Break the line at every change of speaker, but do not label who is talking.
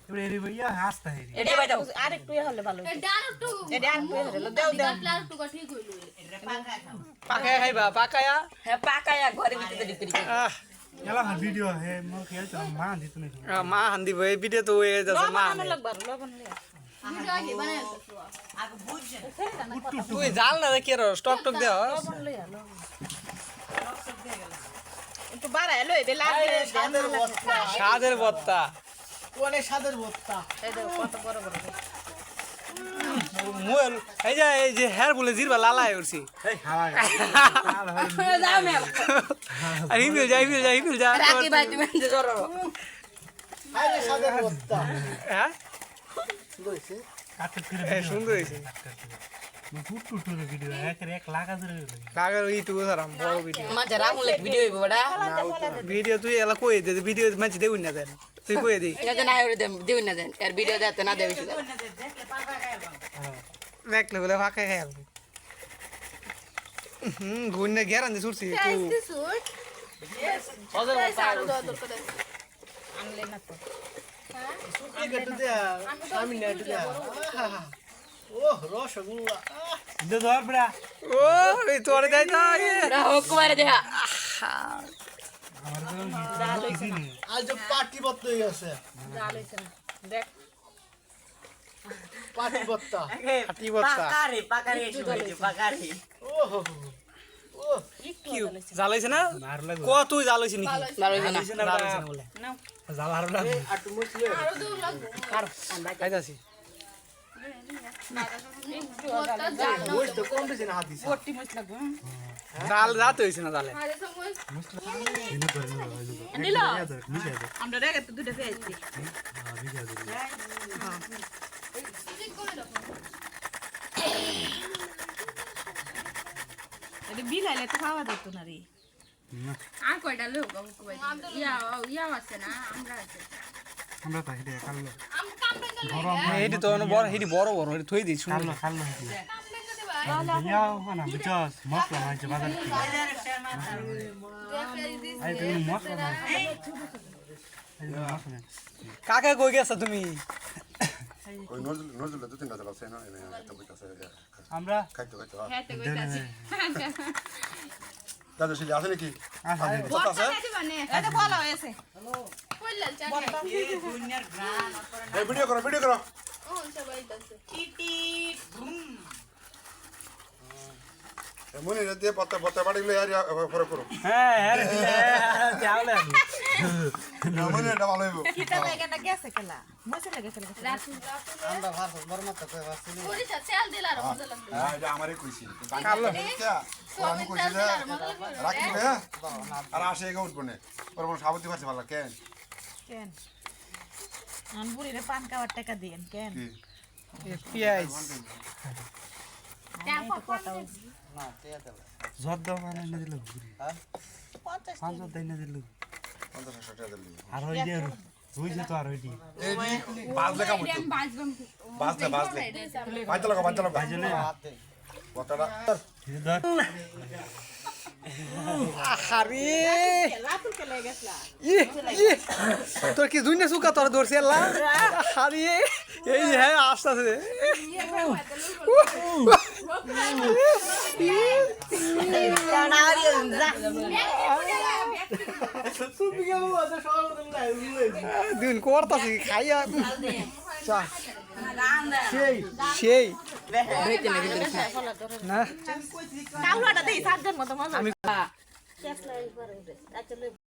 এবারে এরি ভাইয়া হাসতা হেরি
এটা ভাই দাও আরেকটু হলে ভালো
এটা আরেকটু
হলে দাও দাও
আরেকটু ঠিক হইলো
পাকায়া খাইবা পাকায়া
হ্যাঁ পাকায়া ঘরে ভিতরে দিতে
এলা ভিডিও হে মোর খেল তো মা দিত না
মা হান্দি ভাই ভিডিও তো হয়ে যাচ্ছে মা
লবণ লাগবে লবণ লিয়া
ভিডিও আগে বানাই তো
তুই জাল না রে কেরো স্টক টক দেও
লবণ লিয়া লবণ একটু বাড়ায় লই বে লাগবে
স্বাদের বত্তা
অনেক স্বাদের ভর্তা
এই দেখো কত বড় বড়
মুল এই যে হেয়ার বলে জিরবা লালাই উঠছি
এই হাওয়া
যাও মেল
আর হিমিল যা
রাকি ভাই তুমি জরো
আরে স্বাদের ভর্তা
হ্যাঁ
লইছে কাটতে ফিরে
সুন্দর হয়েছে
ফুট ফুট ভিডিও এক লাখ আছে
লাগার ইউটিউবে সারাম বড় ভিডিও
মাঝে রামুলে ভিডিও হইব বড়া
ভিডিও তুই এলা কই দে ভিডিও মাঝে দেউন না দেন তুই কই দে
এটা না হইরে দিও না দেন এর ভিডিও দেখতে না দেবে শুধু
দেখলে বলে ফাঁকা খাই আলবো গুন্নে গেরান দিয়ে ছুটছি তুই
সুট
হজর
আনলে না তো
কেটে দে আমি না দে ওহ রসগোল্লা দে ধর বড়া
ও এই তোরে দেই না
না হোক মারে দেখা
আমার তো কিছু নেই আজ পার্টি বত্ত হই আছে
জাল হইছে না দেখ
পার্টি বত্তা
হাতি বত্তা
পাকারে এসে হইছে পাকারে
ওহ ও
কি জ্বালাইছে না
মার লাগো
কত জ্বালাইছে নাকি
ভালো হইছে না
জ্বালাইছে না বলে
নাও
জাল আর লাগো আটু মুছলে
আরো দূর লাগবে
খাইতাছি
ওই তো কম বেশি না হাত দিছে
পট্টি মছ লাগবে
জাল রাত হইছে না জালে
আরে সময়
এনে করে
নিলো
মিশে দে
আমরা রেগে তো দুটো পেয়েছি
মিশে দে
ঠিক করে দাও
এটা বিলাইলে তো খাওয়া যেত না রে
আর কয়টা লোক ইয়া আছে না আমরা আছে
আমরা তো হেডে কাললো
আম কামড়ে গেল
এইটি তো বড় হেডি বড় বড় হেডি থই দিই শুন
কাললো কাললো
কামড়ে গেলে ভাই
ইয়াও না বুঝছস মশলা মাইছে বাজার থেকে আই তুমি মশলা মাইছে আই মশলা
কাকা কই গেছ তুমি
ওই নজরুল দু তিনটা চালাচ্ছে না এটা বইতাছে
আমরা
খাইতে খাইতে
খেতে কইতাছি
দাদা শিলি আছে নাকি
আসা দে
বড় খাইতে বানে
এটা ভালো হয়েছে
কইলাল চা
এই ভিডিও করো
ও সবাই দাসে
মনে দিয়ে পত্তা পত্তা বাড়ি লই আর পরে করো
হ্যাঁ হ্যাঁ চাওলে
মনে এটা ভালো হইব
কিটা লাগাটা গেছে কেলা মছে লাগেছে
রাতু
আমরা ভাত বড় মত কই বাসি
পুরি চাল দিলা আর মজা লাগবে
হ্যাঁ এটা আমারই কইছি আমি কইছি যে রাখি ভাই আর আসে এগো উঠবো না পরে কোন সাবতি পারছে ভালো কেন
কেন আনপুরি রে পান খাওয়ার টাকা দেন কেন
কি
পেঁয়াজ
জর্দ মানে না দিল হ্যাঁ 50 দেই না দিল
50 টাকা দিলি
আর ওই যে হইছে তো আর ওইটি
এই বাজলে কাম হইতো
বাজবাম
বাজলে বাইতে লাগো
ভাইজনে
পত্তাটা
ধর
আরে
রাতুল কে লাগেছলা
তোর কি দুইনা সুকা তোর দৌড়ছে আল্লাহ আরে এই হ্যাঁ আসতেছে দিন করতাছি খাইয়া চা সেই না
কাউলাটা দেই সাতজন মত মজা আমি